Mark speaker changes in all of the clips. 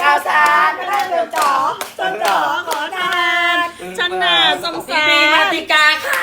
Speaker 1: ข่าวสารไม่ได้จนจ๋อขอทานชนะสงสารมาติกาค่ะ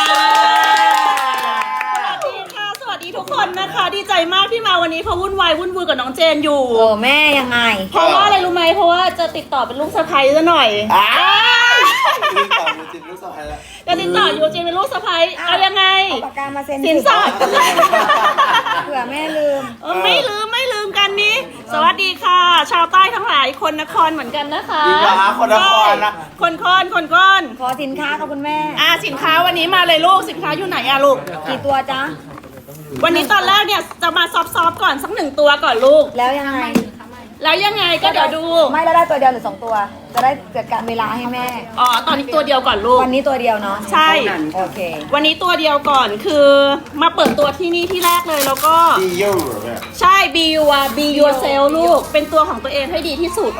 Speaker 1: สวัสดีทุกคนนะคะดีใจมากที่มาวันนี้เพราะวุ่นวายวุ่นวือกับน้องเจนอยู่
Speaker 2: โอ้แม่ยังไง
Speaker 1: เพราะว่าอะไรรู้ไหมเพราะว่าจะติดต่อเป็นลูกสะใภ้ซะหน่อย
Speaker 3: ติดต่อยูจินลูกสะใภ้แล้ว
Speaker 1: จะติดต่อยูจินเป็นลูกสะใภ้เอายังไง
Speaker 2: เอาปากกามาเซ็น
Speaker 1: สินสอด
Speaker 2: เผื่อแม่ลืม
Speaker 1: ไม่ลืมกันนี้สวัสดีค่ะ ชาวใต้ทั้งหลายคนนครเหมือนกันนะคะ
Speaker 3: จริงเหรอคะคนนครนะ
Speaker 1: คน
Speaker 2: ขอสินค้าค่ะคุณแม่
Speaker 1: สินค้าวันนี้มาเลยลูกสินค้าอยู่ไหนลูก
Speaker 2: กี่ตัวจ๊ะ
Speaker 1: วันนี้ตอนแรกเนี่ยจะมาซอฟๆก่อนสัก1ตัวก่อนลูก
Speaker 2: แล้วยังไง
Speaker 1: ก็เดี๋ยวดู
Speaker 2: ไม่แล้วได้ตัวเดียวหรือ2ตัวจะได้เกิดการเวลาให้แม่
Speaker 1: ตอนนี้ตัวเดียวก่อนลูก
Speaker 2: วันนี้ตัวเดียวเนาะ
Speaker 1: ใช่
Speaker 2: โอเค
Speaker 1: วันนี้ตัวเดียวก่อนคือมาเปิดตัวที่นี่ที่แรกเลยแล้วก็ใช่ be yourself ลูกเป็นตัวของตัวเองให้ดีที่สุด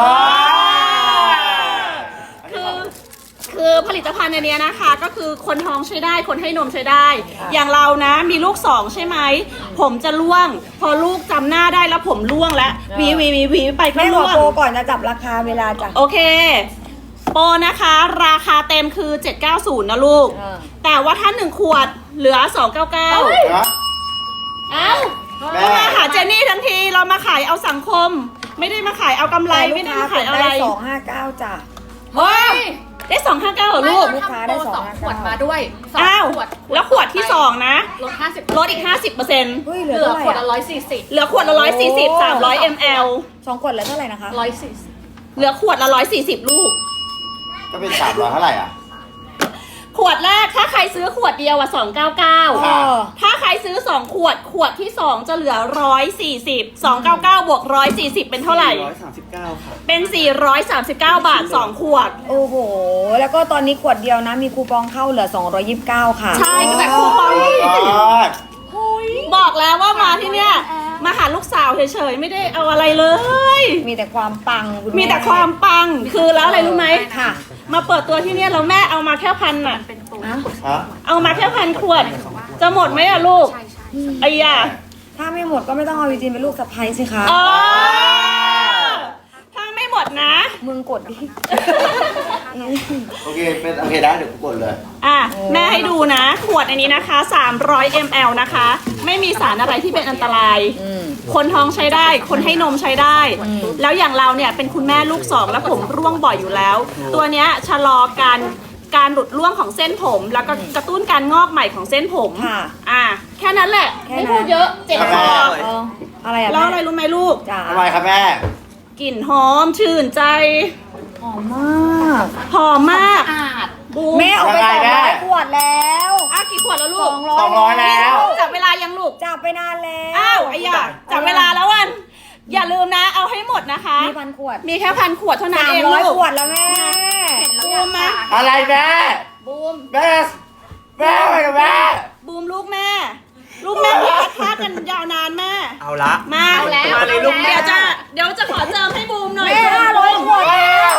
Speaker 1: คือผลิตภัณฑ์อันนี้นะคะก็คือคนท้องใช้ได้คนให้นมใช้ได้อย่างเรานะมีลูก2ใช่ไหมผมจะร่วงพอลูกจำหน้าได้แล้วผมร่วงแล้ววีไปก็ร่วง
Speaker 2: โปรก่อนจะจับราคาเวลาจ้ะ
Speaker 1: โอเคโปรนะคะราคาเต็มคือ790นะลูกแต่ว่าถ้า1ขวดเหลือ299ก็มาหาเจนนี่ทั้งทีเรามาขายเอาสังคมไม่ได้มาขายเอากำไรไม่ได้มาขายอะไร
Speaker 2: 259จ้ะ
Speaker 1: เฮ้ยได้259เหรอลูก
Speaker 2: ลูกค้าได้2
Speaker 4: ขวดมาด้วย
Speaker 1: แล้วขวดที่2นะลดอีก 50%
Speaker 2: เหลือ
Speaker 4: ขวดละ140
Speaker 1: เหลือขวดละ140 300 ml
Speaker 2: 2ขวดเหลือเท่าไหร่นะคะ
Speaker 1: 140เหลือขวดละ140ลูก
Speaker 3: ก็เป็น300เท่าไหร่
Speaker 1: ขวดแรกถ้าใครซื้อขวดเดียว299ถ้าใครซื้อ2ขวดที่2จะเหลือ140 299บวก140เป็นเท่าไหร่
Speaker 3: 439ค่ะ
Speaker 1: เป็น439 บาท2ขวด
Speaker 2: โอ้โหแล้วก็ตอนนี้ขวดเดียวนะมีคูปองเข้าเหลือ229ค่ะ
Speaker 1: ใช่แต่คูปองบอกแล้วว่ามาที่เนี่ยมาหาลูกสาวเฉยๆไม่ได้เอาอะไรเลย
Speaker 2: มีแต่ความปัง
Speaker 1: มีแต่ความปังคือแล้วอะไรรู้ไหม
Speaker 2: ค่ะ
Speaker 1: มาเปิดตัวที่เนี่ยแล้วแม่เอามาแค่พันอ่ะเอามาแค่1,000 ขวดจะหมดไหมอะลูกไอ้ยา
Speaker 2: ถ้าไม่หมดก็ไม่ต้องเอาจริงเป็นลูกสะใภ้สิคะ
Speaker 1: ถ้าไม่หมดนะ
Speaker 2: มึงกดดิ
Speaker 3: โอเคได้เดี๋ยวกูกดเลย
Speaker 1: แม่ให้ดูนะขวดอันนี้นะคะ300 ml นะคะไม่มีสารอะไรที่เป็นอันตรายคนท้องใช้ได้คนให้นมใช้ได้แล้วอย่างเราเนี่ยเป็นคุณแม่ลูก2แล้วผมร่วงบ่อยอยู่แล้วตัวเนี้ยชะลอการหลุดร่วงของเส้นผมแล้วก็กระตุ้นการงอกใหม่ของเส้นผมแค่นั้นแหละไม่พูดเยอะเจ็บคอ
Speaker 2: อะไรอะ
Speaker 1: แล้วอะไรรู้ไหมลูก
Speaker 3: อะไรครับแม่
Speaker 1: กลิ่นหอมชื่นใจ
Speaker 2: หอมมาก
Speaker 1: แ
Speaker 2: ม่เอาไป200 ขวดแล้ว
Speaker 1: กี่ขวดแล้วลูก
Speaker 3: 200แล้ว
Speaker 1: จับเวลายังลูก
Speaker 2: จับไปนานแล้ว
Speaker 1: ไอ้ยาจับเวลาแล้ววันอย่าลืมนะเอาให้หมดนะคะ
Speaker 2: มี1,000 ขวด
Speaker 1: มีแค่1,000 ขวดเท่านั้นเองลูก
Speaker 2: 300 ขวดแล้วแม่
Speaker 1: บูมมา
Speaker 3: อะไรแม่
Speaker 1: บูม
Speaker 3: แม่
Speaker 1: บูมลูกแม่ที่พัดกันยาวนานแม่
Speaker 3: เอาละ
Speaker 1: มา
Speaker 3: เลยลูก
Speaker 1: เดี๋ยวจะขอเจิมให้บูมหน่อย
Speaker 2: แม่500 ขวดแล้ว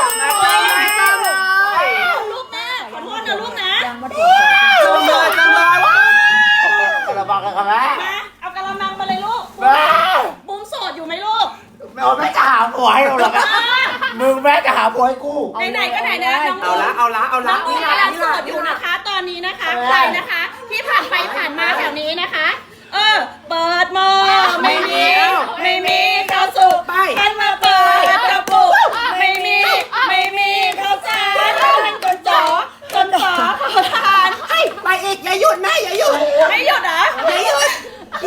Speaker 1: ลูกแม่ขอโทษนะลูกนะ
Speaker 3: จังเลยกระบังกันครับแม่
Speaker 1: เอากระมังมาเลยลูกบูมโสดอยู่ไหมลูก
Speaker 3: แม่จะหาผัวให้เราหรอมึงแม่จะหาผัวให้กู
Speaker 1: ไหนก็ไหนนะ
Speaker 3: เอาละ
Speaker 1: น้องบูมกำลังโสดอยู่นะคะตอนนี้นะคะใครนะคะที่ผ่านไปผ่านมาแถวนี้นะคะเปิดหม้อไม่มีข้าวสุกกันมาเปิดกระปุกไม่มีข้าวสารมันจนจ๋อขอทาน
Speaker 3: ไปอีกอย่าหยุดนะอย่าหยุด
Speaker 1: ไม่หยุดเหรอ
Speaker 3: อย่าหยุด
Speaker 2: ห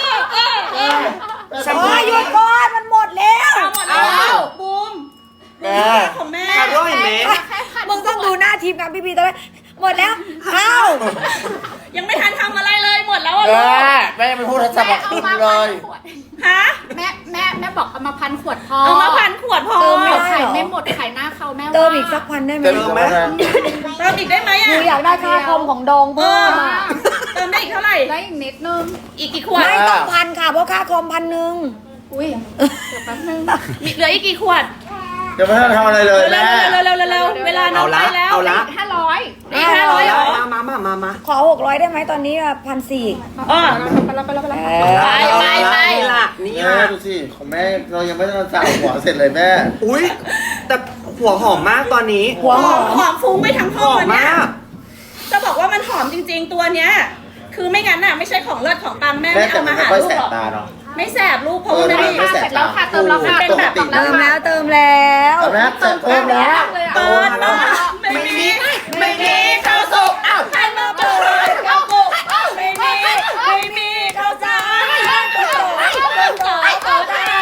Speaker 2: ยุดก่อนมันหมดแล้ว
Speaker 1: บูมของแม่
Speaker 3: ร่อยไหม
Speaker 2: มึงต้องดูหน้าทีมงานพี่ตอนนี้หมดแล้ว
Speaker 1: ยังไม่ทันทำอะไรเลยหมดแล้ว
Speaker 3: แม่ยังไม่พูดทัศน์เลย
Speaker 4: แม่บอกเอามา1,000 ขวดพอ
Speaker 1: เอามา1,000 ขวดพอ
Speaker 4: ขายไม่หมดขายหน้าเขาแม่
Speaker 2: เติมอีกสัก1,000ได้ไหม
Speaker 3: เติม
Speaker 1: อีกได้ไหม
Speaker 2: หนูอยากได้ค่าคอมของดองเพิ่ม
Speaker 1: เติมได้อีกเท่าไหร่
Speaker 4: ได้อีกนิดนึง
Speaker 1: อีกกี่ขวด
Speaker 2: ไม่ต้อง1,000ค่ะเพราะค่าคอม1,000
Speaker 4: อุ้ยเดี๋ยวแป๊บนึง
Speaker 1: เหลืออีกกี่ขวด
Speaker 3: เดี๋ยวไม่ต้องทำอะไรเลยแม่
Speaker 1: เร็วเวลาน้องไปแล้ว
Speaker 4: 500
Speaker 1: นี่500เหรอ
Speaker 3: มา
Speaker 2: ขอ600ได้ไหมตอนนี้1,400
Speaker 1: อ๋อ
Speaker 4: ไปแล้ว
Speaker 2: ไป
Speaker 3: นี่ล่ะนี่ล่ะดูสิของแม่เรายังไม่ได้จ่ายหัวเสร็จเลยแม่
Speaker 5: อุ้ยแต่หัวหอมมากตอนนี้
Speaker 2: หัวหอม
Speaker 1: หอมฟุ้งไปทั้ง
Speaker 5: ห
Speaker 1: ห้อง
Speaker 5: อม
Speaker 1: เลยเนี่ย
Speaker 5: มาก
Speaker 1: จะบอกว่ามันหอมจริงๆตัวเนี้ย คือไม่งั้นน่ะไม่ใช่ของเลิศของปังแม่
Speaker 3: แม่
Speaker 1: ไม่
Speaker 3: แต่
Speaker 1: เอา
Speaker 3: มั
Speaker 1: มาน หา
Speaker 3: ไม่ค่อย
Speaker 1: ลู
Speaker 3: แส
Speaker 1: กหรอก
Speaker 3: บตาเนาะ
Speaker 1: ไม่แสบลูกเพราะว่าไม่ได้
Speaker 3: ไม่แสบ
Speaker 4: เสร็จแล้วค่ะเติมแล้วค่ะ
Speaker 1: เป็นแบบ
Speaker 3: ปกติ
Speaker 2: เติมแล้วเติมแล้ว
Speaker 3: เอาแม่เติมแล้ว
Speaker 1: เปิดมาไม่มีข้าวสุกอ้าวหันมาเปิดข้าวสุกไม่มีข้าวสารข้าวสาร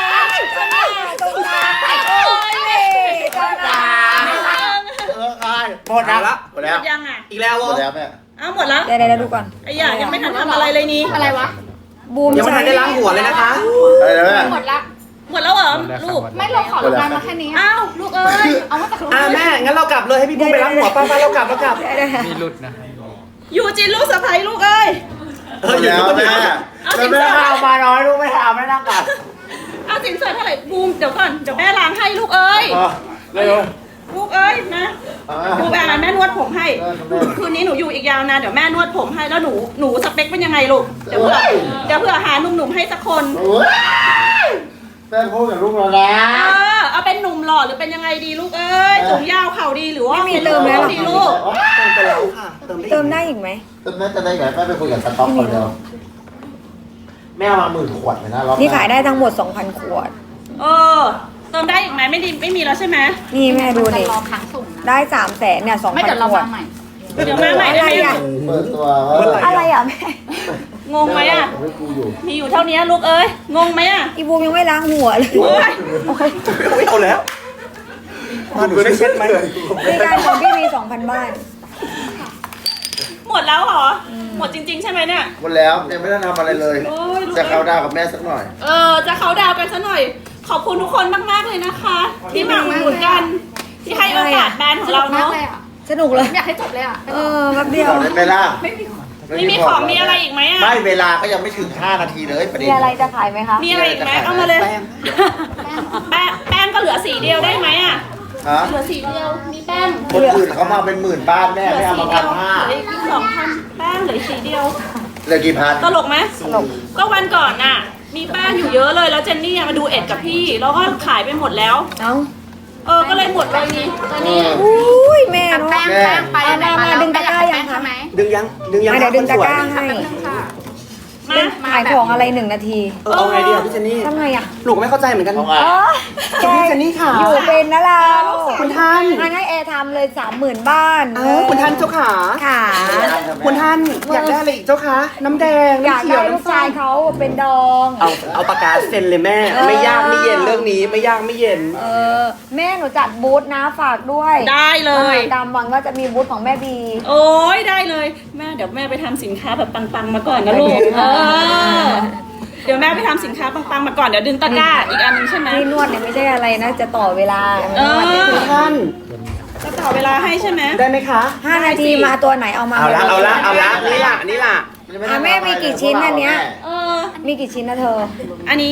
Speaker 3: หมดแล้ว
Speaker 5: หมดแล้ว
Speaker 1: หมดยังอ่ะ
Speaker 5: อีกแล้ว
Speaker 3: หม
Speaker 5: วะ
Speaker 3: ดแล้วแม่
Speaker 1: อ้าวหมดแล้ว
Speaker 2: เดี๋ยวดูก่อน
Speaker 1: ไอ้หยายังไม่ทันทำอะไรเลยนี่
Speaker 4: อะไรวะ
Speaker 2: บูม
Speaker 5: ยังไม่ทันได้ล้างหัวเลยนะคะ
Speaker 3: อะไรนะแม่
Speaker 4: หมดละ
Speaker 1: หมดแล้วเหรอลูก
Speaker 4: ไม่เราขอลงน้ำมาแค่นี้
Speaker 1: อ้าวลูกเอ้ย
Speaker 4: เอามาจากโรง
Speaker 5: อ่ะ
Speaker 4: งาน
Speaker 5: แม่ งั้นเรากลับเลยให้พี่บุ้งไปล้างหัวป้าเรากลับ
Speaker 6: มีหลุดนะ
Speaker 1: ยูจินลูกสะใภ้ลูกเอ้ย
Speaker 3: หมดแล้วแม่แล้วแม่เอามาน้อยลูกไม่ทำไม่นั่งกัด
Speaker 1: เอาสินสอดเท่าไหร่บูมเดี๋ยวก่อนเดี๋ยวแม่ล้างให้ลูกเอ้ย
Speaker 3: เร็ว
Speaker 1: ลูกเอ้ยนะดูแม่นวดผมให้คืนนี้หนูอยู่อีกยาวนานเดี๋ยวแม่นวดผมให้แล้วหนูสเปคเป็นยังไงลูกเดี๋ยวเผื่อหาหนุ่มๆให้สักคน
Speaker 3: แม่พูดกับลูกเราแล้ว
Speaker 1: เอาเป็นหนุ่มหล่อหรือเป็นยังไงดีลูกเอ้ยสูงยาวเข่าดีหรือว่า
Speaker 2: ไม่มีเติมแล้วหรอ
Speaker 1: ดีลูก
Speaker 5: เติมไปแล้วค่ะ
Speaker 2: เติมได้อีกไหม
Speaker 3: แม่จะได้ไงแม่ไปคุยกับสต็อกคนเดียวแม่เอามา10,000 ขวดเลยนะรอบ
Speaker 2: นี่ขายได้ทั้งหมด 2,000 ขวด
Speaker 1: เติมได้อีกไหมไม่มีแล้วใช่ไหม
Speaker 2: นี่แม่ดู
Speaker 4: จะ
Speaker 2: ดิ
Speaker 4: รอค้างส่งนะ
Speaker 2: ได้300,000เนี่ย
Speaker 4: ไม่เดี๋ยว
Speaker 2: 2,000
Speaker 4: เรา
Speaker 2: ขว
Speaker 4: วา
Speaker 2: ด
Speaker 4: งใหม่
Speaker 1: เดี๋ยวมาใหม่ได้ไหม
Speaker 2: อะไรอ่ะ
Speaker 3: เปิดตัว
Speaker 2: อะไรอ่ะแม่
Speaker 1: งงไหมอ่ะ
Speaker 3: ไม่กูอยู่
Speaker 1: มีอยู่เท่านี้ลูกเอ้ยงงไหมอ่ะ
Speaker 2: อีบูมยังไม่ล้างหัวเลย
Speaker 1: โอ๊ย
Speaker 5: อุ๊ยเอาแล้ว มาหนูช่วยเช็ดไหม
Speaker 2: มีการของพี่มี 2,000 บ้าน
Speaker 1: หมดแล้วเหรอหมดจริง ๆ ใช่ไหมเนี่ย
Speaker 3: หมดแล้วยังไม่ได้ทำอะไรเลย
Speaker 1: โอ้ยลูก
Speaker 3: จะเข้าดาวกับแม่สักหน่อย
Speaker 1: จะเขาดาวกันซะหน่อย ขอบคุณทุกคนมากๆเลยนะคะ ที่มาอุดหนุนกัน ที่ให้โอกาสแบรนด์ของเรา
Speaker 4: มาก
Speaker 1: เนาะ
Speaker 4: เลยอ่ะ
Speaker 2: สนุกเลย
Speaker 4: อยากให้จบเลยอ่ะ
Speaker 2: แป๊บเดียว
Speaker 3: บอกได้ไหมล่ะ
Speaker 1: ไม่มีของมีอะไรอีกไหมอ่ะ
Speaker 3: ไม่เวลาก็ยังไม่ถึง5 นาทีเลยประเด็
Speaker 2: มี
Speaker 3: น
Speaker 2: อะไรจะขายไหมคะ
Speaker 1: มีอะไรอีกไหมเอามาเลย แป้งก็เหลือสีเดียวได้ไหมอ่ะ
Speaker 3: ฮะ
Speaker 1: เหลือสีเดียวมีแป้ง
Speaker 3: คนอื่นเขามาเป็น10,000 บ้านแม่
Speaker 1: เหลื
Speaker 3: ไม่
Speaker 1: อ
Speaker 3: เอา
Speaker 1: สี
Speaker 3: มา
Speaker 1: เดียว
Speaker 3: 1,500
Speaker 1: เหลืออีก2,000แป้งเหลือสีเดียว
Speaker 3: เหลือกี่พัน
Speaker 1: ตลกไหมตลกก็วันก่อนน่ะ มีแป้งอยู่เยอะเลยแล้วเจนนี่มาดูเอ็ดกับพี่แล้วก็ขายไปหมดแล้ว
Speaker 2: เอ้า
Speaker 1: ก็เลยหมดเลยนี่ตอนนี้
Speaker 2: อุ้ยแม่เนาะ
Speaker 4: แป้งไปไหนมาแล้ว
Speaker 2: ดึงตะกร้ายังคะ
Speaker 4: ใช่ไหม
Speaker 5: ดึงยัง ดึงยัง
Speaker 2: เดี๋ยวดึงตะกร้า
Speaker 5: คนสวย
Speaker 2: ให้
Speaker 4: แป๊บนึงค่ะ
Speaker 1: มา
Speaker 2: ขายของอะไร1 นาที
Speaker 5: เอาไงดีอ่ะพี่เจนนี่
Speaker 2: ทำไงอ่ะ
Speaker 5: หนูก็ไม่เข้าใจเหมือนกัน
Speaker 3: เอาไง
Speaker 2: แก
Speaker 5: พี่เจนนี่ค่ะ
Speaker 2: อยู่เป็นนะเรา
Speaker 5: คุณท่าน
Speaker 2: งั้นให้แอร์ทำเลย 30,000 บ้าน
Speaker 5: คุณท่านเจ้าขา
Speaker 2: ค่ะ
Speaker 5: คุณท่านอยากได้อะไรอีกเจ้าคะน้ำแดง
Speaker 2: อยาก
Speaker 5: น้ำเขี
Speaker 2: ได้
Speaker 5: ยว
Speaker 2: ลูก
Speaker 5: น้ำส้
Speaker 2: ชาย
Speaker 5: ม
Speaker 2: เขาเป็นดอง
Speaker 5: เอาปากกาเซ็นเลยแม่ ไม่ยากไม่เย็นเรื่องนี้ไม่ยากไม่เย็น
Speaker 2: แม่หนูจัดบูธนะฝากด้วย
Speaker 1: ได้เลย
Speaker 2: ตามวังว่าจะมีบูธของแม่บี
Speaker 1: โอ้ยได้เลยแม่เดี๋ยวแม่ไปทำสินค้าแบบปังๆมาก่อนนะลูกเดี๋ยวแม่ไปทำสินค้าปังๆมาก่อนเดี๋ยวดึงตะกร้าอีกอันนึงใช่ไหม
Speaker 2: ที่นวดเนี่ยไม่ใช่อะไรนะ จะต่อเวลา
Speaker 5: คุณท่าน
Speaker 1: จะต่อเวลาให้ใช่ไหม
Speaker 5: ได้ไหมคะ
Speaker 2: 5 นาทีมาตัวไหนเอามา
Speaker 5: เอาละเอาละเอาละนี่ล่ะนี่ล่ะ
Speaker 2: แม่มีกี่ชิ้นอันเนี้ย
Speaker 1: มี
Speaker 2: มีกี่ชิ้นนะเธอ
Speaker 1: อันนี้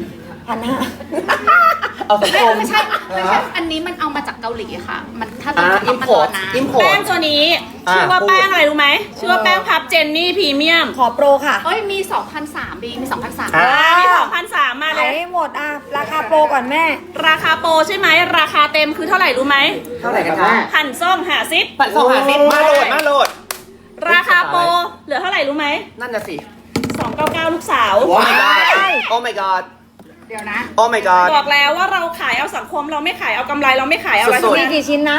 Speaker 2: 1,500
Speaker 5: เอาสังคม
Speaker 4: ไม่ใช่อันนี้มันเอามาจากเกาหลีค่ะ มันถ้า
Speaker 5: อ่า
Speaker 4: จะ
Speaker 5: อิ
Speaker 4: ต้อง
Speaker 5: ม
Speaker 4: มา
Speaker 5: พ
Speaker 4: ร
Speaker 5: อ
Speaker 4: อ
Speaker 5: ร์ต
Speaker 4: นะ
Speaker 5: อิมพอ
Speaker 1: แป้
Speaker 5: ร์
Speaker 1: ง
Speaker 5: ต
Speaker 1: ตัวนี้
Speaker 5: อ่า
Speaker 1: ชื่อว่า
Speaker 5: พูด
Speaker 1: แป้งอะไรรู้ไหมชื่อว่าแป้งพับเจนนี่พรีเมียม
Speaker 2: ขอโปรค่ะ
Speaker 4: เอ้ยมี 2,300บีมี 2,300
Speaker 5: อ่า
Speaker 1: มี2,300มาเล
Speaker 2: ขาย
Speaker 1: ย
Speaker 2: ให้หมดราคาโปรก่อนแม่
Speaker 1: ราคาโปรใช่ไหมราคาเต็มคือเท่าไหร่รู้ไหม
Speaker 5: เท่าไหร่กันคะ
Speaker 1: หั่นส้มหาซิป
Speaker 5: ปัดสองหาซิมาโหลดมาโหลด
Speaker 1: ราคาโปรเหลือเท่าไหร่รู้ไหม
Speaker 5: นั่นน่ะสิ
Speaker 1: 299ลูกสาว
Speaker 5: โอ้ my god โอ้ my god
Speaker 4: เดี๋ยวนะ
Speaker 5: โอ้ my god
Speaker 1: บอกแล้วว่าเราขายเอาสังคมเราไม่ขายเอากำไรเราไม่ขายเอาอะไร
Speaker 5: สุ
Speaker 1: ทั้ง
Speaker 5: ด
Speaker 2: มี
Speaker 1: นั้น
Speaker 2: กี่ชิ้นนะ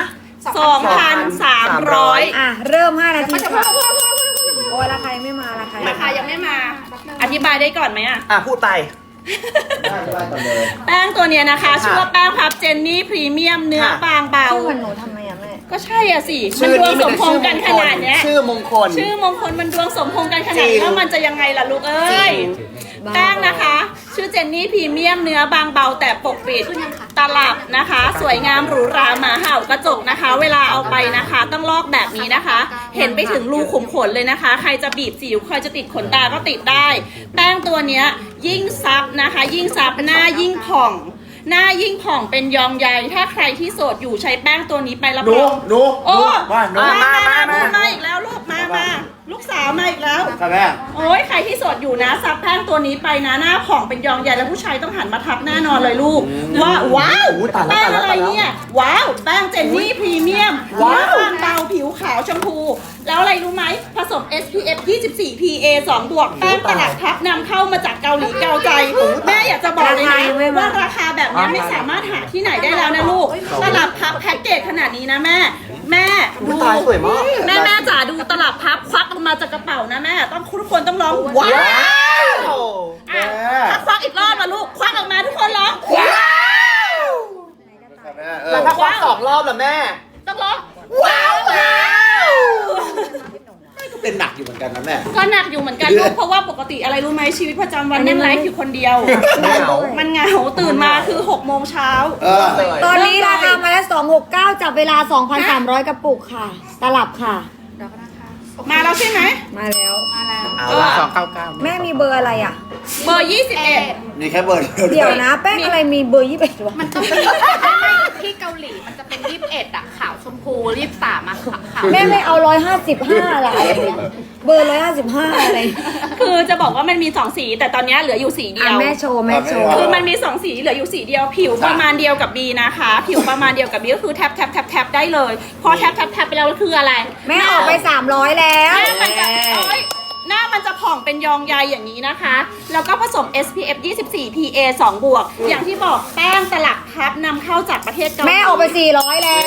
Speaker 1: 2,300
Speaker 2: เริ่ม 5 นาที
Speaker 4: มันจะ
Speaker 2: ค่ะโอ้ยราคายังไม่มาราคา
Speaker 1: ราคายังไม่มา อธิบายได้ก่อนไหมอะ
Speaker 5: อ่ะพูดไป
Speaker 3: ได้ก่อนเลย
Speaker 1: แป้งตัวเนี้ยนะคะ ชื่อว่าแป้งพับเจนนี่พรีเมียมเนื้อบางเบา
Speaker 2: ชื่อเหมือนหนูทำไมอะแม่
Speaker 1: ก็ใช่อ่ะสิ มันดวงสมพงษ์กันขนาดเนี้ย
Speaker 5: ชื่อมงคล
Speaker 1: ชื่อมงคลมันดวงสมพงษ์กันขนาด
Speaker 5: จริ
Speaker 1: นี้
Speaker 5: ง
Speaker 1: แล้วมันจะยังไงล่ะลูกเอ้ย แป้งนะคะ ชื่อเจนนี่พรีเมียมเนื้อบางเบาแต่ปกปิดตลับนะคะ สวยงามหรูหราหมาเห่ากระจกนะคะ เวลาเอาไปนะคะ ต้องลอกแบบนี้นะคะ เห็นไปถึงรูขุมขนเลยนะคะ ใครจะบีบสิวใครจะติดขนตาก็ติดได้ แป้งตัวเนี้ยยิ่งซับนะคะ ยิ่งซับหน้ายิ่งผ่องหน้ายิ่งผ่องเป็นยองใยถ้าใครที่โสดอยู่ใช้แป้งตัวนี้ไปรับ
Speaker 3: หนู
Speaker 1: รอง
Speaker 3: หนู
Speaker 1: โอ้
Speaker 3: ว่าหนู
Speaker 1: มาอีกแล้วลูกมาลูกสาวมาอีกแล้ว
Speaker 3: ค่ะแม่
Speaker 1: โอ้ยใครที่โสดอยู่นะซับแป้งตัวนี้ไปนะหน้าผ่องเป็นยองใหญ่แล้วผู้ชายต้องหันมาทักแน่นอนเลยลูกว่าว้าว
Speaker 5: อุ๊ยตายแล้ว
Speaker 1: แป้ง
Speaker 5: ตายแล้ว
Speaker 1: อะไรเนี่ยว้าวแป้งเจนนี่พรีเมียม
Speaker 5: ว้าว
Speaker 1: เนื้อบางเบาผิวขาวชมพู แล้วอะไรรู้ไหมผสม SPF 24 PA 2 บวกแป้งตลับพับนำเข้ามาจากเกาหลีเกาใจแม่อยากจะบอกเลยนะว่าราคาแบบนี้ไม่สามารถหาที่ไหนได้แล้วนะลูกตลับพับแพ็กเกจขนาดนี้นะแม่ดู
Speaker 5: ตายสวยมาก
Speaker 1: แม่จ๋าดูตลับพับควักออกมาจากกระเป๋านะแม่ต้องทุกคนต้องร้องว้าวอ่ะถ้าควักอีกรอบมาลูกควักออกมาทุกคนร้องว้าว
Speaker 3: ค่ะแม่
Speaker 5: แล้วถ้าควัก2 รอบล่ะแม่
Speaker 1: ต้องร้องว้าว
Speaker 3: ก็เป็นหนักอยู่เหมือนกันนะแม่
Speaker 1: ก็หนักอยู่เหมือนกันลูกเพราะว่าปกติอะไรรู้ไหมชีวิตประจำวันนั่งไลฟ์อยู่คนเดียว
Speaker 5: เหงา
Speaker 1: มันเหงาตื่นมาคือ6 โมงเช้า
Speaker 2: ตอนนี้ราคามาแล้ว269จับเวลา 2,300 กระปุกค่ะ ตลับค่ะ
Speaker 1: มาแล้วใช่ไหม
Speaker 2: มาแล้ว
Speaker 5: เอาละ299
Speaker 2: แม่มีเบอร์อะไรอ่ะ
Speaker 1: เบอร์ 21
Speaker 3: มีแค่เบอร์เดียว
Speaker 2: เดี๋ยวนะ แป้งอะไรมีเบอร์21วะ
Speaker 4: มันต้องมีไม่ที่เกาหลีมันจะเป็น21อะขาวชมพู23อะขาว
Speaker 2: แม่ไม่เอา155อะไรเนี่ยเบอร์155อะไร
Speaker 1: คือจะบอกว่ามันมี2สีแต่ตอนนี้เหลืออยู่สีเดี
Speaker 2: อ่ะ
Speaker 1: ยว
Speaker 2: แม่โชว์แม่โชว์
Speaker 1: คือมันมี2สีเหลืออยู่สีเดียวผิวประมาณเดียวกับบีนะคะ ผิวประมาณเดียวกับบีก็คือแท็บได้เลย พอแท็บไปแล้วคืออะไร
Speaker 2: แม่ออกไป300แล้ว
Speaker 1: หน้ามันจะโอ๊ยหน้ามันจะผ่องเป็นยองใยอย่างนี้นะคะ แล้วก็ผสม SPF 24 PA 2 บวก อย่างที่บอกแป้งตลับพับนำเข้าจากประเทศเกาหลี
Speaker 2: แม่ออกไป400แล้ว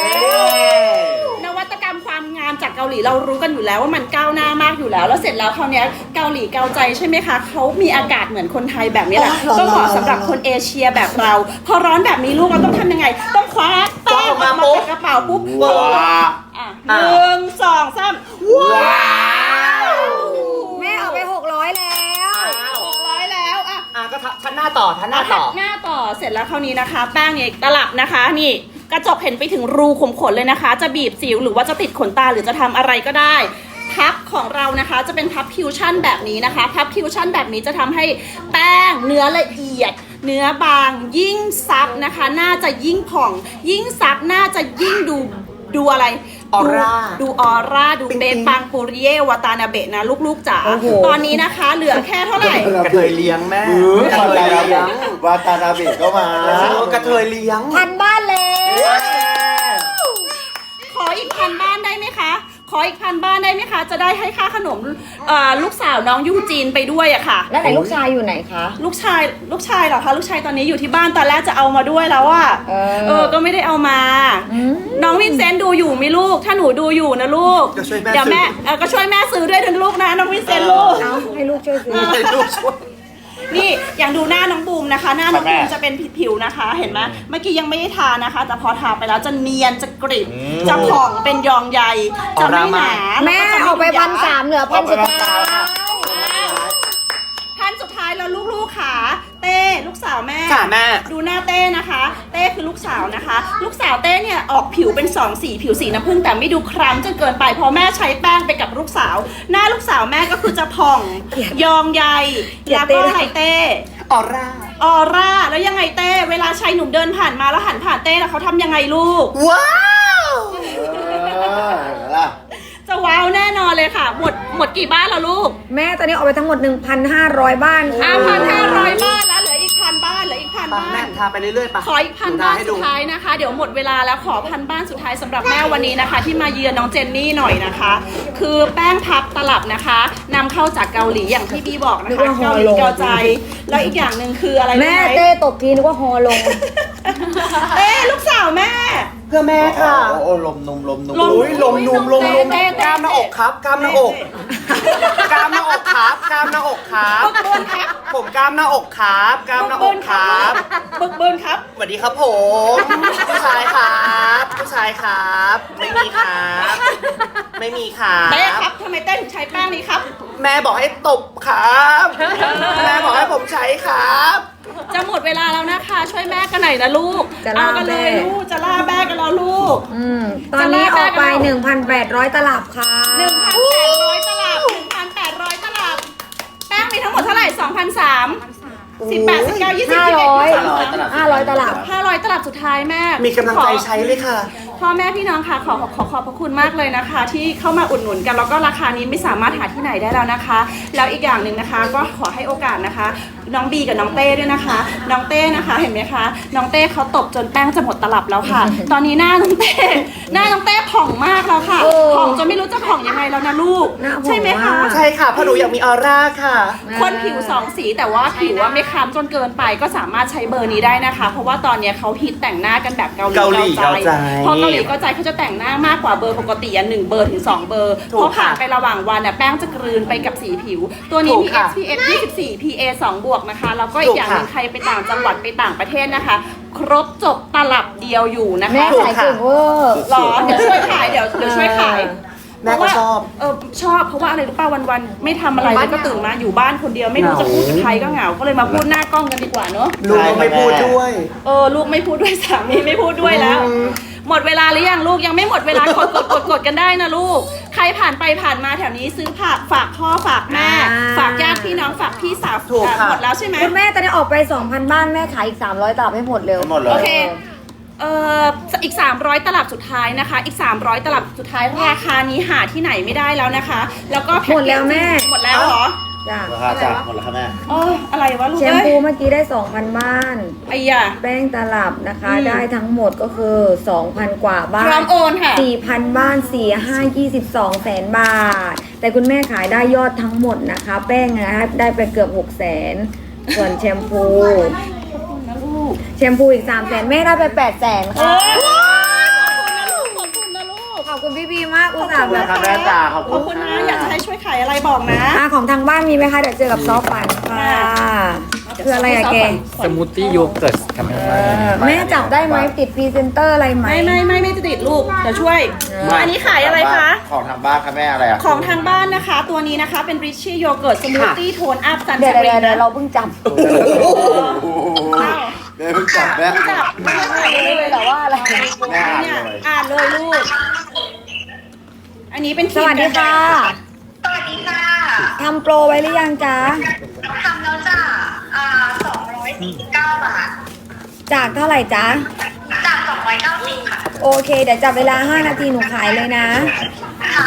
Speaker 1: นวัตกรรมความงามจากเกาหลีเรารู้กันอยู่แล้วว่ามันก้าวหน้ามากอยู่แล้ว แล้วเสร็จแล้วคราวเนี้ยเกาหลีเกาใจใช่ไหมคะเขามีอากาศเหมือนคนไทยแบบนี้แหละก็เหมาะสำหรับคนเอเชียแบบเรา พอร้อนแบบนี้ลูกเราต้องทำยังไง ต้องคว้าแป้งออกมาจากกระเป๋าปุ๊บ
Speaker 3: ว้า
Speaker 1: อ่ะ1 2 3ว้าว
Speaker 2: แม่ออกไป600แล้ว
Speaker 1: 600แล้วอ่ะ
Speaker 5: ก็ชั้นหน้าต่อชั้นหน้าต่อ
Speaker 1: หน้าต่อเสร็จแล้วคราวนี้นะคะ แป้งเนี่ยตลับนะคะนี่กระจกเห็นไปถึงรูขุมขนเลยนะคะ จะบีบสิวหรือว่าจะติดขนตาหรือจะทำอะไรก็ได้พับของเรานะคะจะเป็นพับคิวชั่นแบบนี้นะคะพับคิวชั่นแบบนี้จะทำให้แป้งเนื้อละเอียด เนื้อบางยิ่งซับนะคะน่าจะยิ่งผ่อง ยิ่งซับน่าจะยิ่งดูอะไร
Speaker 5: ออร่า
Speaker 1: ดูออร่าดูเบปังปุริเยวาตานาเบะนะลูกๆจ๋า
Speaker 2: โอ้โห
Speaker 1: ตอนนี้นะคะเหลือแค่เท่าไหร่
Speaker 5: กระเทยเลี้ยงแม่
Speaker 3: กระเทยเลี้ยงวาตานาเบะก็มา
Speaker 5: กระเทยเลี้ยง
Speaker 2: พันบ้านแล้ว
Speaker 1: ขออีก1,000 บ้านได้ไหมคะ ขออีก1,000 บ้านได้ไหมคะ จะได้ให้ค่าขนมลูกสาวน้องยูจีนไปด้วยอะค่ะ
Speaker 2: แล้วไหนลูกชายอยู่ไหนคะ
Speaker 1: ลูกชายเหรอคะ ลูกชายตอนนี้อยู่ที่บ้านตอนแรกจะเอามาด้วยแล้วอะก็ไม่ได้เอามา น้องวินเซนต์ดูอยู่ไหมลูก ถ้าหนูดูอยู่นะลูก
Speaker 5: ก็ช่วยแม่
Speaker 1: เดี๋ยวแม่ก็ช่วยแม่ซื้อด้วยนะลูกนะน้องวินเซนต์ลูก
Speaker 2: เอาให้ลูกช่วยซื้อ
Speaker 5: ให้ลูกช่วย
Speaker 1: นี่อย่างดูหน้าน้องบูมนะคะ หน้าน้องบูมจะเป็นผิวๆนะคะ เห็นไหมเมื่อกี้ยังไม่ได้ทานะคะ แต่พอทาไปแล้วจะเนียนจะกริบจะผ่องเป็นยองใยจะไม่หนา
Speaker 2: แม่ออกไป1,300เหลือ1,000สุดท้าย
Speaker 1: พันสุดท้ายแล้วลูกๆค่ะเต้ลูกสาวแม่
Speaker 5: ค่ะแม่
Speaker 1: ดูหน้าเต้นะคะ เต้คือลูกสาวนะคะ ลูกสาวเต้เนี่ยออกผิวเป็น2 สีผิวสีน้ำผึ้งแต่ไม่ดูคล้ำจนเกินไปเพราะแม่ใช้แป้งไปกับลูกสาว หน้าลูกสาวแม่ก็คือจะผ่องยองใยแล้วก็อะไรเต้
Speaker 5: ออร่า
Speaker 1: ออร่าแล้วยังไงเต้เวลาชายหนุ่มเดินผ่านมาแล้วหันผ่านเต้แล้วเขาทำยังไงลูก
Speaker 5: ว้าว
Speaker 3: ล่ะ
Speaker 1: จะว้าวแน่นอนเลยค่ะ หมดกี่บ้านแล้วลูก
Speaker 2: แม่ตอนนี้ออกไปทั้งหมด 1,500 บ้านค่ะ
Speaker 1: 1,500 บ้านแล้วเหลืออีก1,000 บ้านเหลืออีก1,000 บ้า
Speaker 5: แม่
Speaker 1: น
Speaker 5: ทาไปเรื่อยๆปะ
Speaker 1: ขออีก1,000 บ้านสุดท้ายนะคะ เดี๋ยวหมดเวลาแล้วขอ1,000 บ้านสุดท้ายสำหรับแม่วันนี้นะคะ ที่มาเยือนน้องเจนนี่หน่อยนะคะ คือแป้งพับตลับนะคะนำเข้าจากเกาหลีอย่างที่บีบอกนะคะเกาหลีเกาใจ แล้วอีกอย่างหนึ่งคืออะไรรู้
Speaker 2: แม่
Speaker 1: ไหม
Speaker 2: เต้ตกทีนึกว่าฮอลง
Speaker 1: เต้ลูกสาวแม่
Speaker 5: เพื่อแม่ค่ะ
Speaker 3: โอ้ลมนุ่ม
Speaker 5: อุ้ยลมนุ่มลมนุ่ม
Speaker 1: เต้
Speaker 5: กล้ามหน้าอกครับกล้ามหน้าอกกล้ามหน้าอกครับกล้ามหน้าอกครับ
Speaker 1: บึกบึนครับ
Speaker 5: ผมกล้ามหน้าอกครับกล้ามหน้าอกครับ
Speaker 1: บึกบึนครับ
Speaker 5: สวัสดีครับผมผู้ชายครับผู้ชายครับ ไม่มีครับ ไม่มีครับ
Speaker 1: เต้ครับทำไมเต้ถึงใช้แป้งนี้ครับ
Speaker 5: แม่บอกให้ตบครับแม่บอกให้ผมใช้ครับ
Speaker 1: จะหมดเวลาแล้วนะคะ ช่วยแม่กันหน่อยนะลูก
Speaker 2: จะล่า
Speaker 1: เอากันเลย
Speaker 2: แม่
Speaker 1: ลูกจะล่าแม่กันแล้วลูก
Speaker 2: ตอนนี้ออกไป 1,800 ตลับค่ะ
Speaker 1: 1,800 ตลับ 1,800 ตลับ แป้งมีทั้งหมดเท่าไหร่ 2,300 18 19 20 21
Speaker 2: 500 ตลับ
Speaker 1: 500 ตลับสุดท้ายแม่
Speaker 5: มีกำลังใจใช้เลยค่ะ
Speaker 1: พ่อแม่พี่น้องค่ะขอขอบพระคุณมากเลยนะคะ ที่เข้ามาอุดหนุนกันแล้วก็ราคานี้ไม่สามารถหาที่ไหนได้แล้วนะคะ แล้วอีกอย่างหนึ่งนะคะก็ขอให้โอกาสนะคะ น้องบีกับน้องเต้ด้วยนะคะ น้องเต้นะคะเห็นไหมคะน้องเต้เขาตบจนแป้งจะหมดตลับแล้วค่ะ ตอนนี้หน้าน้องเต้ผ่องมากแล้วค่ะ
Speaker 2: เออ
Speaker 1: ผ่องจนไม่รู้จะผ่องยังไงแล้วนะลูก
Speaker 2: หน้าผ่อง
Speaker 1: ใช่ไหมคะ
Speaker 2: มาก
Speaker 5: ใช่ค่ะเพราะหนูอยากมีออร่าค่ะ
Speaker 1: คนผิวสองสีแต่ว่าผิวว่าไม่คล้ำจนเกินไปก็สามารถใช้เบอร์นี้ได้นะคะ เพราะว่าตอนนี้เขาฮิตแต่งหน้ากันแบบเกาหลี
Speaker 5: เกาหลีเกาใจ
Speaker 1: เพราะเกาหลีเกาใจเขาจะแต่งหน้ามากกว่าเบอร์ปกติ1 เบอร์ถึง 2 เบอร์
Speaker 5: ถูก
Speaker 1: เพราะผ่าน
Speaker 5: ค่ะ
Speaker 1: ไประหว่างวันแป้งจะกลืนไปกับสีผิว ตัวนี้
Speaker 5: ถู
Speaker 1: มี
Speaker 5: กค่ะ
Speaker 1: SPF 24 PA 2 บวกนะคะแล้วก็อีกอย่างหนึง
Speaker 5: ถูกค่ะ
Speaker 1: ใครไปต่างจังหวัดไปต่างประเทศนะคะ ครบจบตลับเดียวอยู่นะ
Speaker 2: แม่
Speaker 1: คะ
Speaker 2: ขายเก่งเวอร์
Speaker 1: หรอเดี๋ยวช่วยขายเดี๋ยวช่วยขาย
Speaker 5: แม่ก็ชอบ
Speaker 1: ชอบเพราะว่าอะไรรู้ป่ะวันๆไม่ทำอะไรแล้วก็ตื่นมาอยู่บ้านคนเดียวไม่รู้จะพูดกับใครก็เหงาก็เลยมาพูดหน้ากล้องกันดีกว่าเนอะ
Speaker 5: ลูกก็ไม่พูดด้วย
Speaker 1: ลูกไม่พูดด้วยสามีไม่พูดด้วยแล้ว หมดเวลาหรือยังลูกยังไม่หมดเวลากดกันได้นะลูก ใครผ่านไปผ่านมาแถวนี้ซื้อผักฝากพ่อฝากแม่ ฝากญาติพี่น้องฝากพี่สาว
Speaker 5: ถูกค่ะ
Speaker 1: หมดแล้วใช่ไหม
Speaker 2: คุณแม่ตอนนี้ออกไป 2,000 บ้านแม่ขายอีก 300 ตลับให้หมดเร็ว
Speaker 3: ให้หมดเลย
Speaker 1: โอเคอีก 300 ตลับสุดท้ายนะคะ อีก 300 ตลับสุดท้ายราคานี้หาที่ไหนไม่ได้แล้วนะคะ แล้วก็พ็คเกจ
Speaker 2: หมดแล้วแม่
Speaker 1: หมดแล้วเหรอ
Speaker 2: จ้ะ
Speaker 3: ราคาจากหมดแล้วค่ะแม่
Speaker 1: อะไรวะลูก
Speaker 2: แชม
Speaker 1: เอ้ย
Speaker 2: พูเมื่อกี้ได้ 2,000 บ้าน
Speaker 1: ไอ้ยา
Speaker 2: แป้งตลับนะคะ
Speaker 1: อืม
Speaker 2: ได้ทั้งหมดก็คือ 2,000 กว่าบ้า
Speaker 1: พร้อน มโอนค่ะ
Speaker 2: 4,000 บ้าน 22 แสนบาท แต่คุณแม่ขายได้ยอดทั้งหมดนะคะ แป้งนะคะได้ไปเกือบ 6 แสน ส่วนแชมพู
Speaker 1: นะลูก
Speaker 2: แชมพูอีก 3 แสนแม่ได้ไป 8 แสนค่ะ
Speaker 1: ขอบคุณนะลูก
Speaker 2: ขอบคุณพี่บีมากอุตส่าห์แบบ
Speaker 3: ขอบคุณค่ะแม่จ๋าขอบ
Speaker 1: ขอบคุณนะอยากจะให้ช่วยขายอะไรบอกนะ
Speaker 2: ของทางบ้านมีไหมคะ เดี๋ยวเจอกับซอฟต์ปันค่ะคืออะไรอะแก
Speaker 6: สมูทตี้โยเกิร์ตครับแม่
Speaker 2: แม่จับได้ไหมติดพรีเซนเตอร์อะไรไหม
Speaker 1: ไม่จะติดลูกเดี๋ยวช่วย อันนี้ขายอะไรคะ
Speaker 3: ของทางบ้านค่ะแม่อะไรอ่ะ
Speaker 1: ของทางบ้านนะคะ ตัวนี้นะคะเป็น Richie Yogurt Smoothie Tone Up ซัน
Speaker 2: เดี๋
Speaker 1: ส
Speaker 2: ยว
Speaker 1: กรีน
Speaker 2: เดี๋ยวเราเพิ่งจับ
Speaker 3: แม่เพิ่งจับแม่
Speaker 1: จับ
Speaker 2: เลยแต่ว่าอะไร
Speaker 3: แม่อ่าน
Speaker 1: เนี่ย
Speaker 3: เลย
Speaker 1: อ่านเลยลูก อันนี้เป็นค
Speaker 2: ส
Speaker 1: รีม
Speaker 2: วัสดีค่ะ
Speaker 4: สวัสดีค่ะ
Speaker 2: ทำโปรไว้หรือยังจ๊ะ
Speaker 4: ทำแล้วจ้ะ249 บาท
Speaker 2: จากเท่าไหร่จ๊ะ
Speaker 4: จาก290ค่ะ
Speaker 2: โอเค เดี๋ยวจับเวลา 5 นาทีหนูขายเลยนะ
Speaker 4: ค่ะ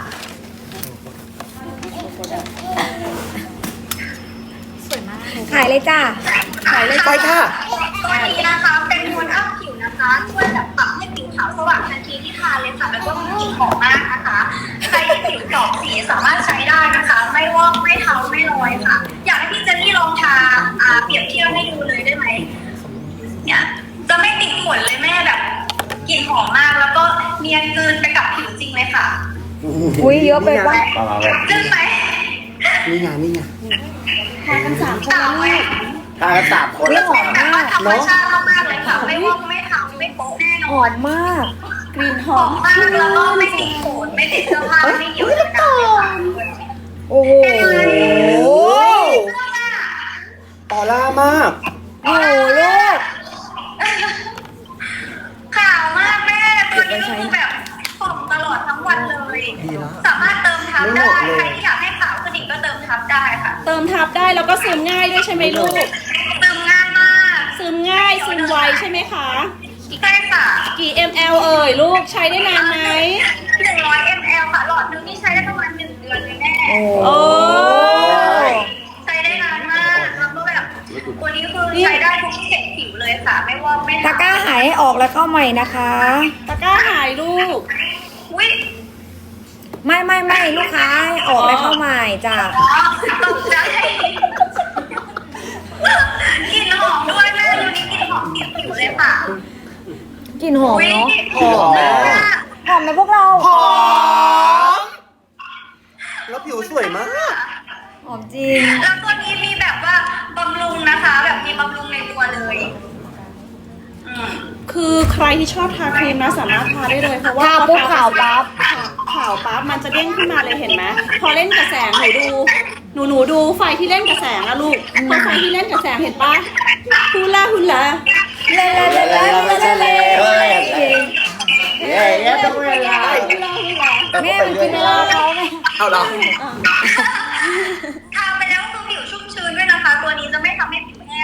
Speaker 2: ขายเลยจ้ะ
Speaker 1: ขายเลย
Speaker 5: ไปค่ะ
Speaker 4: ตัวนี้นะคะเป็นโทนอัพผิวนะคะ ช่วยแบบปรับให้ผิวขาวสว่างทันทีที่ทาเลยค่ะ แล้วก็มีกลิ่นหอมมากนะคะ ใครที่ผิวดอกสีสามารถใช้ได้นะคะ ไม่วอกไม่เทาไม่ลอยค่ะ อยากให้พี่เจนนี่ลองทาเปรียบเทียบให้ดูเลยได้ไหมเนี่ยจะไม่ติดขนเลยแม่แบบกลิ่นหอมมาก แล้วก็เนียนกลืนไปกับผิวจริงเลยค่ะ
Speaker 2: อุ้ยเยอะไปปะ
Speaker 3: มาแบบ
Speaker 4: จึ้งไหม
Speaker 5: นี่ไงนี่ไง
Speaker 1: ทานกัน3 คนนะลูก
Speaker 3: ทานกัน3 คน
Speaker 2: เรื่องหอม
Speaker 4: แบบ
Speaker 2: มา
Speaker 4: ว่าก ธรรมชาติมากๆเลยค่ะ ไม่วอกไม่เทาไม่โป๊ะแน่น
Speaker 2: ห
Speaker 4: อ
Speaker 2: อน มมาก
Speaker 1: กลิ่นห
Speaker 4: ห
Speaker 1: อ
Speaker 4: อ
Speaker 1: ม
Speaker 4: มมากแล้วก็ไม่ติดขนไม่ติดเสื้อผ้าไม่เหี่ยวเลยค่ะ
Speaker 2: โอ้โห
Speaker 5: ออร่ามาก
Speaker 2: โอ้โหลูก
Speaker 4: ขาวมากแม่ตัวนี้ก็คือแบบผ่องตลอดทั้งวันเลย สามารถเติมทับได้ใครที่อยากให้ขาวขึ้นอีกก็เติมทับได้ค่ะ
Speaker 1: เติมทับได้แล้วก็ซึมง่ายด้วยใช่ไหมลูก
Speaker 4: เติมง่ายมาก
Speaker 1: ซึมง่ายซึมไวใช่ไหมคะ
Speaker 4: ใช่ค่ะ
Speaker 1: กี่ ml เอ่ยลูกใช้ได้นานไหม
Speaker 4: 100 ml ค่ะหลอดนึงนี่ใช้ได้ประมาณ1 เดือนเลยแม่
Speaker 1: โอ้
Speaker 4: ใช้ได้นานมากแล้วก็แบบตัวนี้คือใช้ได้ทุกเฉดผิวเลยค่ะ ไม่วอกไม่
Speaker 2: ตะกร้าหายให้ออกแล้วเข้าใหม่นะคะ
Speaker 1: ตะกร้าหายลูก
Speaker 4: อุ้ย
Speaker 2: ไม่ลูกค้าให้ออกแล้วเข้าใหม่จ้ะ
Speaker 4: อ๋อตกใจกลิ่นหอมด้วยแม่ตัวนี้กลิ่นหอมเก็บผิวเลยค่ะ
Speaker 2: กลิ่นหอม
Speaker 4: อุ๊ย
Speaker 2: เนาะ
Speaker 5: หอมแม่
Speaker 2: หอมไหมพวกเรา
Speaker 5: หอม แล้วผิวสวยมาก
Speaker 2: หอมจริง
Speaker 4: แล้วตัวนี้มีแบบว่าบำรุงนะคะ แบบมีบำรุงในตัวเลย
Speaker 1: คือใครที่ชอบทาครีมนะสามารถทาได้เลยเพราะว่า
Speaker 2: ทาปุ๊บขาวปั๊บ
Speaker 1: ขาวปั๊บมันจะเด้งขึ้นมาเลยเห็นไหมพอเล่นกับแสงหนูดูไฟที่เล่นกับแสงอะลูกพอไฟที่เล่นกับแสงเห็นปะฮูลาฮูลา
Speaker 2: เล่
Speaker 3: ต้องเวลา
Speaker 2: แม่มันกินเวลาเขาไหม
Speaker 5: เอาเหรอ
Speaker 4: ทาไปแล้วคือผิวชุ่มชื้นด้วยนะคะ ตัวนี้จะไม่ทำให้ผิวแห้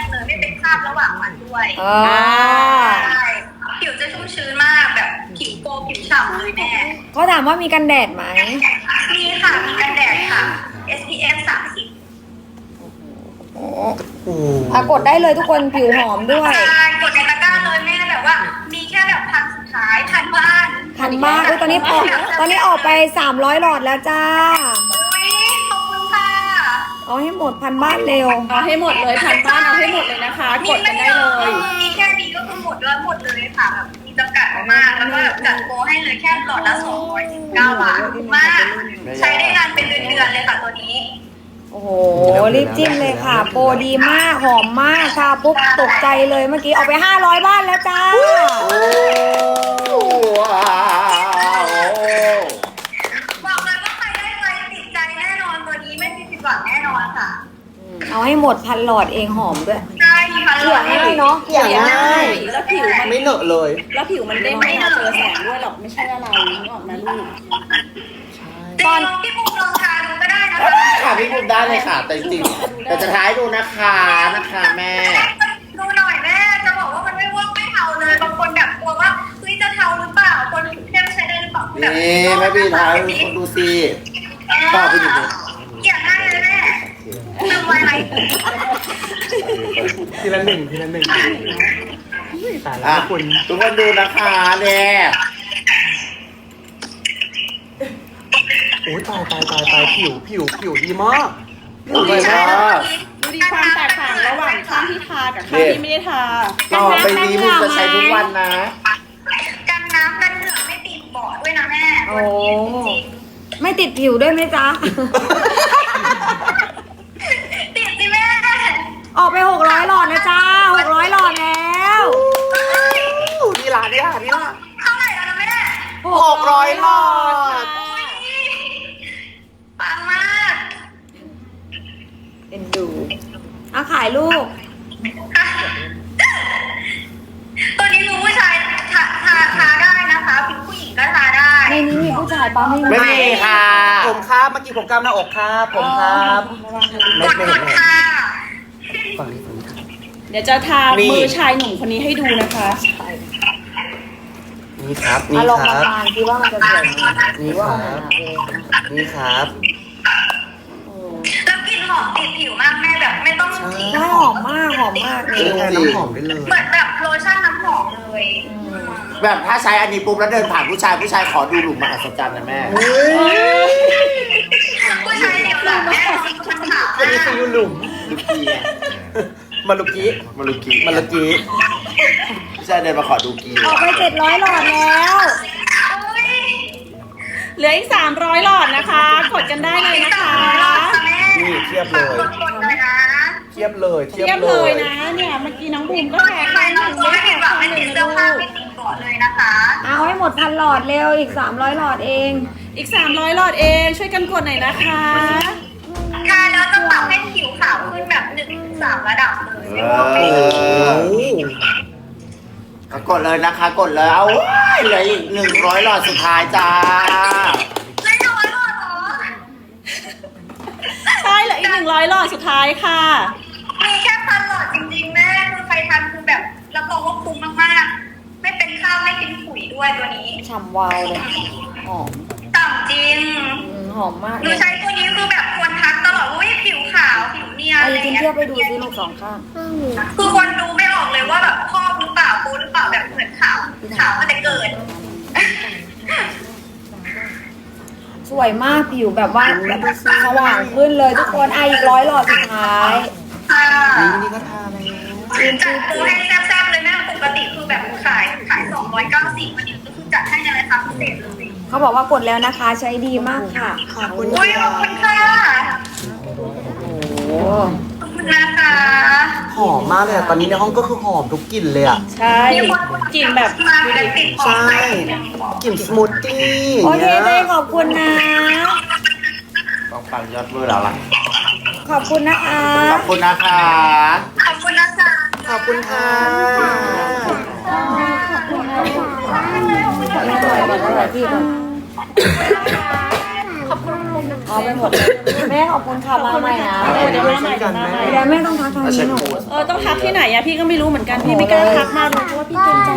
Speaker 2: อ่า
Speaker 4: ใช่ผิวจะชุ่มชื้นมากแบบผิวโกลผิวฉ่ำเลยแม่
Speaker 2: เขาถามว่ามีกันแดดไหม
Speaker 4: มีค่ะมีกันแดดค่ะ SPF 30
Speaker 2: โอ้กดได้เลยทุกคนผิวหอมด้วย
Speaker 4: ใช่กดในตะกร้าเลยแม่แบบว่า มีแค่แบบพันสุดท้ายพันบ้าน
Speaker 2: ทันมากอุ๊ยตอนนี้ออกไป300 หลอดแล้วจ้า
Speaker 4: อุ้ยขอบคุณค่ะ
Speaker 2: เอาให้หมดพันบ้านเร็ว
Speaker 1: เอาให้หมดเลยพันบ้านเอาให้หมดเลยนะคะ กดกันได้เลย
Speaker 4: มีแค่นี้ก็คือหมดแล้วหมดเลยค่ะแบบมีจำกัดมากแล้วก็แบบจัดโปรให้เลยแค่หลอดละ219 บาทถูกมาก ใช้ได้นานเป็นเดือนๆเลยค่ะตัวนี้
Speaker 2: โอ้โห รีบจิ้มเลยค่ะ โปรดีมาก หอมมากค่ะปุ๊บตกใจเลยเมื่อกี้ออกไป500 บ้านแล้วจ้า
Speaker 3: ว้าว
Speaker 4: บอกเลยว่าใครได้ไปติดใจแน่นอนตัวนี้ไม่มีผิดหวังแน่นอนค่ะ
Speaker 2: เอาให้หมดพันหลอดเองหอมด้วย
Speaker 4: ใช่ค่ะ
Speaker 2: เกลี่ยง่ายเนาะเกลี่ยง่าย
Speaker 1: แล้วผิวมัน
Speaker 5: ไม่เหนอะเลย
Speaker 1: แล้วผิวมันเด้งไม่เจอแสงด้วยหรอกไม่ใช่อะไรนึกออกไหมลูก
Speaker 4: ตอนพี่ปุ๊กลองทานดูก็ได้นะคะ
Speaker 3: ค่ะพี่บุ๋มได้เลยค่ะ แต่จริงๆแต่จะท้ายดูนะคะแม่
Speaker 4: ดูหน่อยแม่จะบอกว่ามันไม่วอกไม่เทาเลยบางคนแบบกลัวว่าเฮ้ยจะเทาหรือเปล่าคนผิวเข้มใช้ได้หรือเปล่าแบบ
Speaker 3: นี่แม่พี่ท้ายคุณดูสิต่อไปดู
Speaker 4: เกลี่ยง่ายเลยแม่ทำไว้ไหม
Speaker 5: ทีละหนึ่งตายแล้
Speaker 3: อ่ะ
Speaker 5: วคุณ
Speaker 3: ทุกคนดูนะคะเนี่ย
Speaker 5: โอ้ยตายผิวดีมาก
Speaker 3: ดูเลยว่า
Speaker 1: ดูดีความแตกต่างระหว่างข้างที่ทากับข้างที่ไม่ได้ทา
Speaker 3: ต่อไปนี้บุ๋มจะใช้ทุกวันนะ
Speaker 4: กันน้ำกันเหงื่อไม่ติดเบาะด้วยนะแม่
Speaker 2: โอ้ ไม่ติดผิวด้วยไหมจ๊ะ
Speaker 4: ติดสิแม่
Speaker 2: ออกไป600 หลอดนะจ้า600 หลอดแล้ว
Speaker 5: ดีละ
Speaker 4: เท่าไหร่แล้วนะแม่
Speaker 5: 600 หลอด
Speaker 4: ปังมาก
Speaker 2: เอ็นดูเอาขายลูก
Speaker 4: ตัวนี้รู้ผู้ชายทาได้นะคะผู้หญิงก็ทาได้
Speaker 2: ในนี้มีผู้ชายป้าไม่มี
Speaker 3: ไม่มีค่ะ
Speaker 5: ผมครับเมื่อกี้ผมกล้ามหน้าอกครับผมครับ
Speaker 4: กดค่ะ
Speaker 5: ฝั่งนี้ครับ
Speaker 1: เดี๋ยวจะทา
Speaker 5: นี่
Speaker 1: มือชายหนุ่มคนนี้ให้ดูนะคะ
Speaker 5: นี่ครับ
Speaker 2: มาลองมาทานคิดว่ามันจะสวยไหม
Speaker 5: นี่
Speaker 2: คิดว่า
Speaker 5: ค
Speaker 2: มัน
Speaker 5: รับ
Speaker 2: จะเอง
Speaker 5: นี่ครับ
Speaker 4: แล้วกลิ่นหอมติดผิวมากแม่แบบไม่ต้องฉีด
Speaker 2: ใช่หอมมากหอมมากเล
Speaker 5: นี่
Speaker 2: ย
Speaker 5: แทนน้ำหอมได้เลย
Speaker 4: เหมือนแบบโลชั่นน้ำหอมเลย
Speaker 3: แบบถ้าใช้อันนี้ปุ๊บแล้วเดินผ่านผู้ชายขอดูหลุมมหัศจรรย์นะแม่
Speaker 4: ผู้ชายเดียวหลังแม่คนขาว
Speaker 5: อันนี้คือยูหลุม
Speaker 3: ลูกกีไง
Speaker 5: มาลุกี้
Speaker 3: มาลูกกี
Speaker 5: มาลุกี้
Speaker 3: ผู้ชายเดินมาขอดูกี
Speaker 2: ออกไป700 หลอดแล้ว
Speaker 1: เหลืออีก300 หลอดนะคะ กดกันได้เลยนะคะ
Speaker 5: นี่เทียบเลย
Speaker 4: กดเลยนะ
Speaker 5: เทียบเลย
Speaker 1: เทียบเลยนะเนี่ยเมื่อกี้น้องบูมก็แพ้
Speaker 4: ใคร
Speaker 1: ข้างห
Speaker 4: ลอ
Speaker 1: นึ่
Speaker 4: ง
Speaker 1: ง
Speaker 4: ไม่
Speaker 1: ไม่
Speaker 4: ผิ
Speaker 1: แพ้
Speaker 4: ดหวั
Speaker 1: ข้าง ง
Speaker 4: ไม่
Speaker 1: หนึ่
Speaker 4: ติ
Speaker 1: ง
Speaker 4: ด
Speaker 1: นะ
Speaker 4: เสื้อ
Speaker 1: ลู
Speaker 4: ผ้าก ไม่ติดเกาะเลยนะคะ
Speaker 2: เอาให้หมดพันหลอดเร็วอีก300 หลอดเอง
Speaker 1: อีก300 หลอดเองช่วยกันกดหน่อยนะคะ
Speaker 4: ค่ะแล้วจะปรับให้ผิวขาวขึ้นแบบ1-3 ระดับเลยไม่ว่า
Speaker 3: โอ้
Speaker 4: ไม่
Speaker 3: กดเลยนะคะกดเลยเอาเว้ยเหลืออีก100 หลอดสุดท้ายจ้า
Speaker 4: ไม่น้อยหรอ
Speaker 1: ใช่เหลืออีก100 หลอดสุดท้ายค่ะ
Speaker 4: มีแค่พันหลอดจริงๆแม่คือใครทันคือแบบรับรองว่าคุ้มมากๆ ไม่เป็นข้าวไม่เป็นขุยด้วยตัวนี้
Speaker 2: ฉ่ำวาวเลยหอม
Speaker 4: ต่ำจริง
Speaker 2: หอมมาก
Speaker 4: ห
Speaker 2: เล
Speaker 4: นู
Speaker 2: ย
Speaker 4: ใช้ตัวนี้คือแบบคนทักตลอดว่าอุ๊ยผิวขาวผิวเนียน
Speaker 2: เอา
Speaker 4: อะไร
Speaker 2: จริง
Speaker 4: เงี้
Speaker 2: เทียบไปดูซิลูก2 ข้าง
Speaker 4: คือคนดูไม่ออกเลยว่าแบบพ่อหรือเปล่าโปหรือเปล่าแบบเหมือนขาวมาแต่เกิด
Speaker 2: สวยมากผิวแบบว่าสว่างขึ้นเลยทุกคนอีก100 หลอดสุดท้าย
Speaker 4: ค่ะ
Speaker 5: นี่ก็ทาแล้ว
Speaker 4: จัดโปรให้แซ่บๆเลยแม่ปกติคือแบบขาย290วันนี้ก็คือจัดให้ในราคาพิเศษเลย
Speaker 2: เขาบอกว่ากดแล้วนะคะใช้ดีมากค่ะ
Speaker 5: ขอบคุณ
Speaker 4: อุ้ยขอบคุณค่ะ
Speaker 2: โอ้
Speaker 4: ขอบคุณนะคะ
Speaker 5: หอมมากเลยอะตอนนี้ในห้องก็คือหอมทุกกลิ่นเลยอะ
Speaker 1: ใช่กลิ่นแบบ
Speaker 4: มาแบบติดขอ
Speaker 5: ใช่
Speaker 4: ง
Speaker 5: กลิ่นสมูทตี้
Speaker 2: โอเค
Speaker 5: นี่ย
Speaker 2: เต้ขอบคุณนะ
Speaker 3: ต้องฟังยอดเบอร์แล้วล่ะ
Speaker 2: ขอบคุณนะคะ
Speaker 3: ขอบคุณนะคะ
Speaker 4: ขอบคุณนะคะ
Speaker 5: ขอบคุณค่ะ
Speaker 2: ขอบคุณพี่ก่อน
Speaker 7: ขอบคุณ
Speaker 2: เอาไปหมดเลยแม่ขอบคุณค่ะมาใหม่นะ
Speaker 1: เดี๋ยวมาใหม่เดี๋ยวมาใหม่
Speaker 2: เดี๋ยวแม่ต้องทักทางนี้หนู
Speaker 1: ต้องทักที่ไหนอะพี่ก็ไม่รู้เหมือนกันพี่ไม่กล้าทักมาเลยเพราะว่าพี่เกรงใจ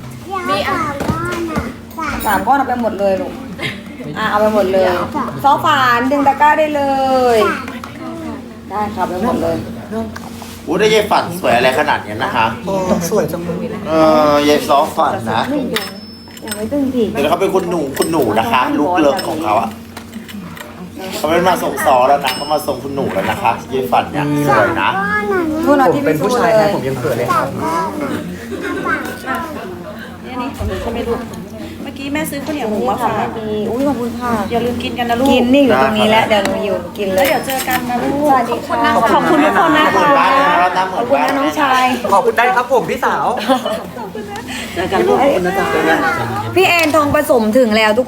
Speaker 2: 3 ก้อนเอาไปหมดเลยลูกเอาไปหมดเลยซอฝานดึงตะกร้าได้เลย ได้ครับไปหมดเลย
Speaker 3: อู้ได้ยายฝันสวยอะไรขนาดนี้นะคะ
Speaker 5: สวยจังเลย
Speaker 3: ยายซอฝันนะ
Speaker 2: ยังไม่ตึงพี่
Speaker 3: เดี๋ยวเขาเป็นคุณหนูนะคะ ลูกเลิกของเขาอะเขาไม่มาส่งซอแล้วนะเขามาส่งคุณหนูแล้วนะคะยายฝันเนี่ยสวยนะ
Speaker 2: พูดเอา
Speaker 5: ผม
Speaker 2: ที่
Speaker 5: เป็น
Speaker 2: พี่
Speaker 5: ผู้
Speaker 2: พูด
Speaker 5: ชาย
Speaker 2: เล
Speaker 5: นะ
Speaker 2: ย
Speaker 5: ผมยังเขินเลยครับ
Speaker 1: นี่ของหนูใช่ไหมลูกเมื่อกี้แม่ซื้อข้าวเหนียวหมูมา
Speaker 2: ค่ะ
Speaker 1: ฝาก
Speaker 2: ดีอุ้ยขอบคุณค่ะ
Speaker 1: อย่าลืมกินกันนะลูก
Speaker 2: กินนี่อยู่ตรงนี้แล้วเดี๋ยวหนูอยู่กินเล
Speaker 1: แล้ว
Speaker 2: ย
Speaker 1: เดี๋ยวเจอกันนะลูก
Speaker 2: สวัสดีค่ะ
Speaker 1: ขอบคุณทุกคนนะ
Speaker 3: เหมื
Speaker 1: คะ
Speaker 3: อนบ้านเลยนะเราหน้าเหมื
Speaker 2: ข
Speaker 3: อ
Speaker 2: อน บคุณ
Speaker 3: บ้าน
Speaker 2: นะน้องชาย
Speaker 5: ขอบคุณได้ครับผมพี่สาว
Speaker 1: เจอกันลูก
Speaker 2: พี่แอนทองผสมถึงแล้วทุก